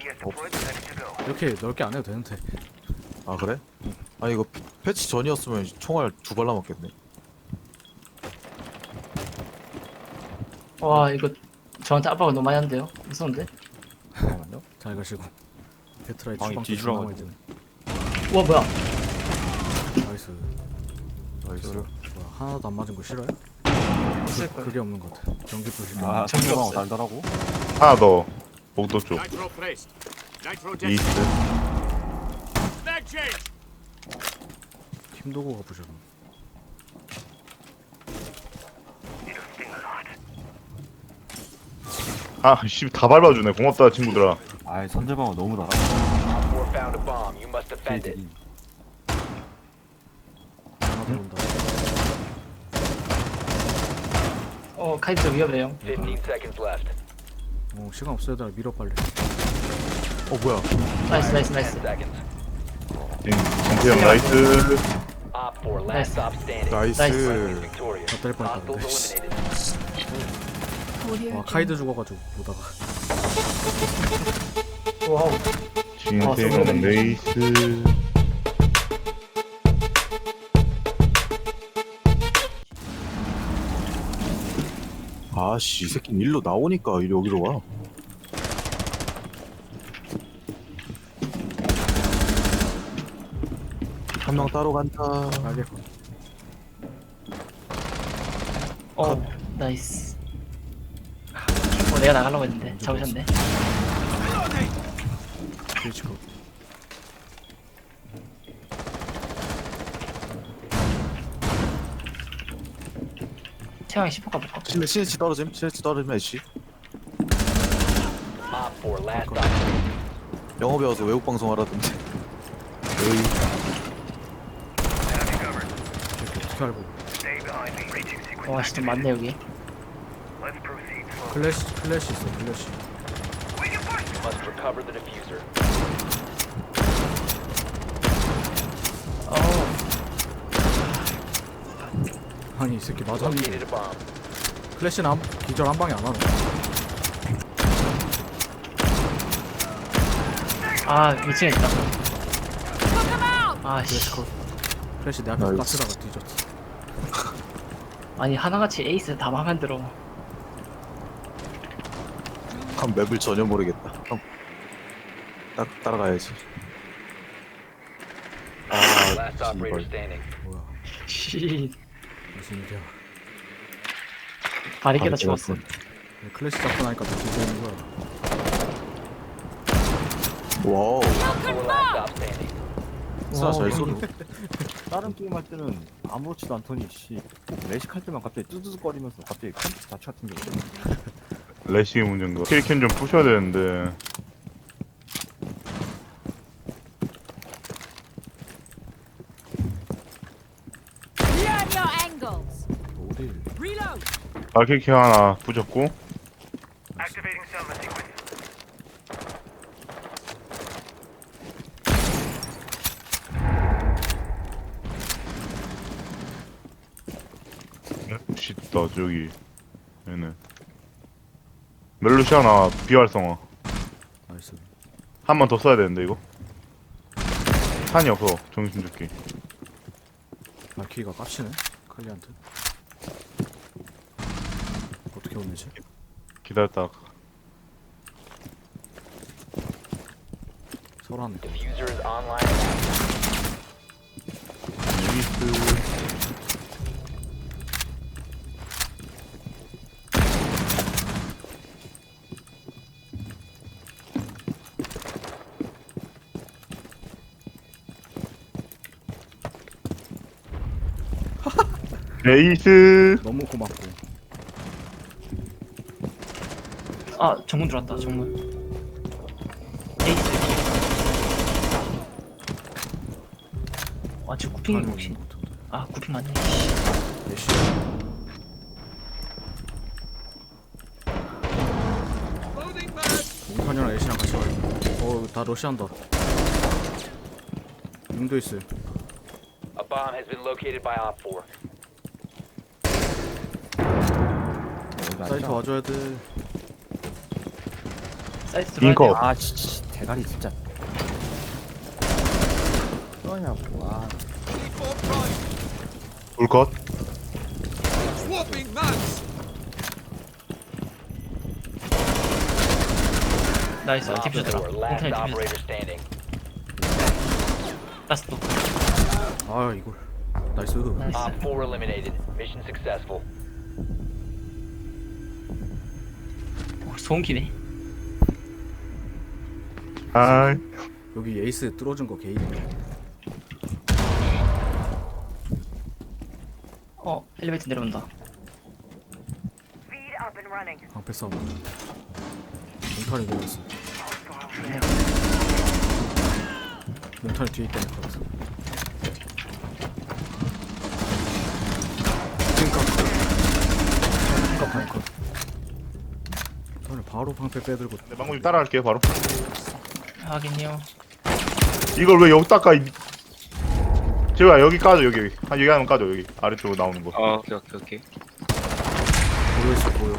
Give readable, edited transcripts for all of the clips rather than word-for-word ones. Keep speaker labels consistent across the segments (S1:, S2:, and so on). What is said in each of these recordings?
S1: 이렇게 넓게 안 해도 되는데.
S2: 아 그래? 아 이거 패치 전이었으면 총알 2발 남았겠네.
S3: 와 이거 저한테 압박을 너무 많이 한대요. 무서운데?
S4: 잠깐만요.
S1: 잘 가시고. 배트라이
S4: 방이
S1: 주방
S4: 뒤주라고
S1: 나와야 되네.
S3: 우와 뭐야?
S1: 나이스.
S2: 나이스.
S1: 뭐야, 하나도 안 맞은 거 싫어요?
S3: 있을 거야.
S1: 그게 없는 것 같아. 전기 부실.
S4: 아,
S3: 전기
S4: 상대방
S3: 없어요.
S4: 달달하고.
S5: 하나 더 복도 쪽
S6: Nitro placed. Nitro
S5: 이스트
S6: Mag change.
S1: 팀도구가 부실은.
S5: 아씨 다 밟아주네 고맙다 친구들아.
S4: 아, 상대방은 너무 달아.
S7: Op 4 found a bomb. You must defend it.
S4: 걔들이.
S1: 하나 더 온다.
S3: 카이드 위험해요.
S7: 15 seconds left.
S1: 시간 없어 얘들아 밀어 빨리.
S2: 뭐야?
S3: 나이스 나이스
S7: 10
S3: 나이스.
S7: seconds.
S5: 정태형 나이스.
S7: Op 4 last stop standing.
S2: 나이스.
S7: Victorious.
S1: 다 때릴 뻔했다, 근데.
S7: Hostiles eliminated.
S1: 와 카이드 죽어가지고 보다가.
S3: 와우.
S5: 진태형 레이스.
S2: 아씨 이 새끼는 일로 나오니까 여기로 와. 한 명 따로 간다.
S1: 알겠고.
S3: 나이스. 내가 나가려고 했는데 잡으셨네.
S1: 스위치컷.
S3: 태양이 10호 가볼까?
S2: 시네치 떨어짐. 시네치 떨어지면 애쉬.
S7: Op 4 last stop standing.
S2: 영어 배워서 외국 방송 하라던데. 에이.
S1: 어떻게 알고?
S3: 와 진짜 많네 여기.
S1: 클래시 있어 클래시.
S7: You must recover the diffuser.
S1: 아니 이 새끼 맞았는데.
S7: Located a bomb.
S1: 클래시는 기절 한 방에 안 하네.
S3: 아 2층에 있다. 아씨.
S1: 클래시 컷. 클래시 내 앞에서
S2: 나이스.
S1: 가스다가 뒤졌지.
S3: 아니 하나같이 에이스 다 마음에 들어.
S2: 한 맵을 전혀 모르겠다. 딱 따라가야지.
S7: Last operator standing.
S1: 뭐야
S3: 씨.
S1: 무슨 일이야.
S3: 바리케다 죽었어.
S1: 클래시 잡고 나니까 더 뒤지는 거야.
S2: 와우.
S7: 4 last stop standing.
S2: 진짜 잘 쏘네.
S4: 다른 게임 할 때는 아무렇지도 않더니 씨 레식할 때만 갑자기 뚜두둑거리면서 갑자기 컴퓨터 자체 같은 게 오네.
S5: 레시 문제인가. 킬캠 좀 부셔야 되는데.
S8: Learn your angles.
S1: 어디?
S8: Reload.
S5: 아킬키 하나 부셨고. 멜루시다 저기 얘네 멜루시 하나 비활성화
S1: 나이스.
S5: 한 번 더 써야 되는데 이거 탄이 없어 정신줄게.
S1: 말키가 깝치네. 칼리한테. 어떻게 혼내지?
S5: 기다렸다.
S1: 설하네.
S7: Diffuser is online and active.
S5: 루이스 레이스
S1: 너무 고맙고.
S3: 아 정문 들어왔다 정문. 에이스. 와 지금 구핑이 혹시? 아 구핑 맞네.
S1: 예시. 몽탄이랑 예시랑 같이 가요. 다 러시한다. 융도 있어요.
S7: A bomb has been located by Op 4.
S1: 사이트 와줘야 돼.
S3: 사이트 들어와야
S5: 링커.
S3: 돼요.
S4: 아, 씨, 대가리 진짜. 뭐냐고. 와.
S5: 불컷.
S3: 나이스.
S7: Op
S3: 디퓨저더라.
S7: 4, last
S3: 인터넷 디퓨저.
S7: operator standing.
S3: 라스트.
S1: 아 이걸 나이스.
S3: 나이스.
S7: Op 4 eliminated. Mission successful.
S3: 소음기네.
S5: 아,
S1: 여기 에이스 뚫어준 거 게이네.
S3: 엘리베이터 내려온다.
S1: 방패 싸움. 몽탄이 내렸어. 몽탄이 뒤에 있다는 것 같아. 찐값 방패. 몽탄이 바로 방패 빼들고.
S5: 네, 망고님 따라갈게요 바로.
S3: 하긴요.
S5: 이걸 왜 여기 닦아? 제가 여기 까줘 여기. 한 여기 하면 까줘 여기 아래쪽으로 나오는 거.
S9: 오케이.
S1: 모여있어 보여.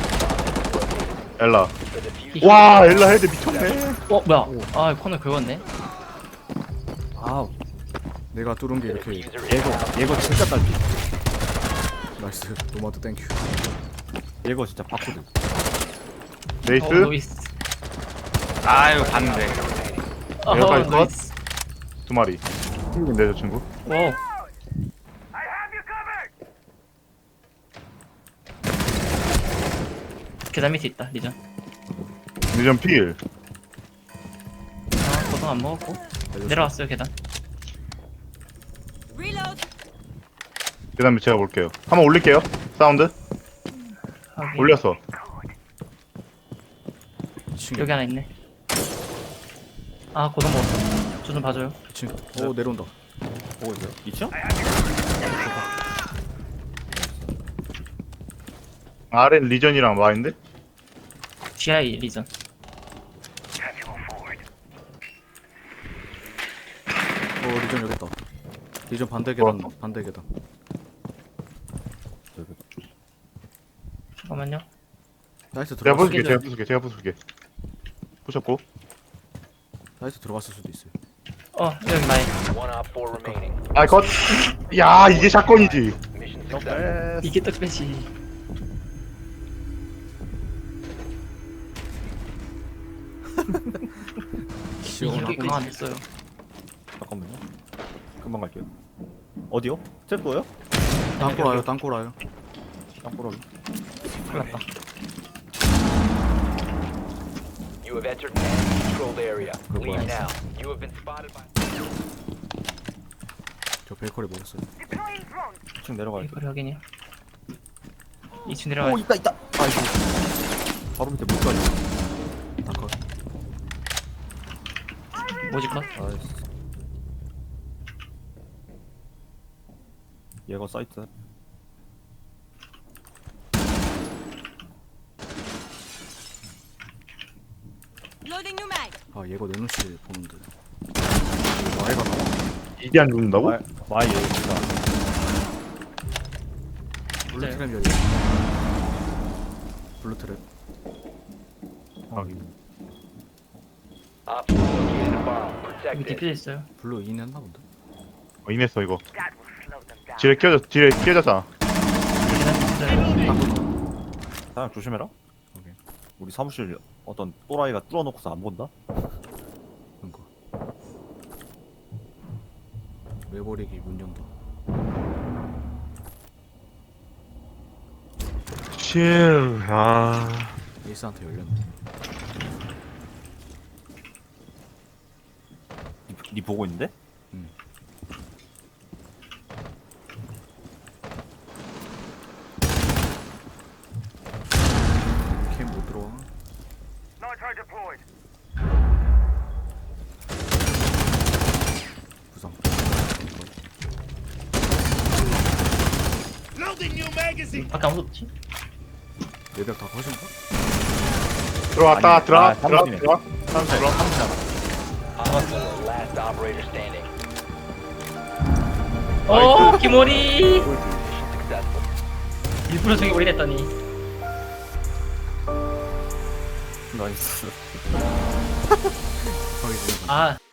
S5: 엘라.
S7: The diffuser
S5: 와 엘라 헤드 미쳤네.
S3: 뭐야? 아 코너 긁었네.
S4: 아,
S1: 내가 뚫은 게
S7: the
S1: 이렇게.
S7: diffuser is
S4: 얘거 진짜 딸피.
S1: 나이스. 노마드 땡큐.
S4: 얘거 진짜 바코드.
S5: 네이스.
S3: 노이스.
S9: 아유 봤는데.
S5: 여기까지 컷?
S3: 노이스.
S5: 두 마리. 힘든데 저 친구.
S3: 오. 계단 밑에 있다 리전.
S5: 리전 필.
S3: 고동 안 먹었고 내려왔어요 계단.
S8: Reload.
S5: 계단 밑 제가 볼게요. 한번 올릴게요. 사운드.
S3: 확인.
S5: 올렸어.
S1: 친구.
S3: 여기 하나 있네. 아 고동 먹었어. 저 좀 봐줘요.
S1: 친구. 오 내려온다.
S4: 보고 있어요? 2층?
S5: 아래 리전이랑 와인데.
S3: GI 리전.
S1: 리전 여기 있다. 리전 반대 계단. 반대 계단.
S3: 잠깐만요.
S1: 나이스
S5: 제가
S1: 들어갔어.
S5: 부술게. 제가 부술게. 부셨고.
S1: 나이스 들어갔을 수도 있어요.
S3: 여기 나이.
S7: one Op 4 remaining.
S5: 아 컷. 야 이게 샷건이지.
S7: Mission successful.
S3: 이게 떡배지. 이게
S1: 시원하고.
S3: 강안 됐어요.
S4: 잠깐만요. 금방 갈게요. 어디요? 텔포요?
S1: 땅굴 와요. 땅굴 와요.
S4: 땅보라기.
S3: 큰일 났다.
S7: You have entered an enemy-controlled area. Leave
S3: Nice.
S7: now. You have been spotted by.
S1: 저 베이커리 먹었어요.
S4: 2층 내려가야 돼.
S3: 이거 확인이요. 2층 내려가야 돼.
S4: 있다. 아이고. 바로 밑에 못 가지.
S1: 땅굴.
S3: 뭐지 컷?
S4: 아이씨. 얘거 사이트.
S8: Loading new mag.
S1: 아 얘가 내놓시 보는데. 와이가 나와.
S5: 이게 안 죽는다고?
S4: 마이 얘가.
S1: 블루
S3: 네.
S1: 트랩 열려. 블루 트랩.
S7: Op 4 located a bomb.
S3: 여기
S7: Protect it.
S3: 디퓨저 있어요.
S1: 블루 인 했나 본데.
S5: 인했어 이거. 지뢰 끼어졌잖아.
S3: 계단 디퓨저.
S4: 사장 조심해라.
S1: 오케이.
S4: 우리 사무실 어떤 또라이가 뚫어놓고서 안 본다?
S1: 그니까. 외버리기 문 연다.
S5: 실. 아.
S1: 에이스한테 열렸네.
S4: 니 보고 있는데?
S1: 캠 못 들어와. 부상.
S3: 밖에 아무도 없지?
S1: 레벨 다 거신가?
S5: 들어왔다.
S4: 아니,
S5: 들어와.
S4: 아, 사무실이네.
S5: 들어와. 들어와.
S7: Op 4 last operator standing.
S3: 오 기모리.
S7: Successful.
S3: 일부러 저기 올리랬더니.
S4: 나이스.
S1: 거기 지나가.
S3: 아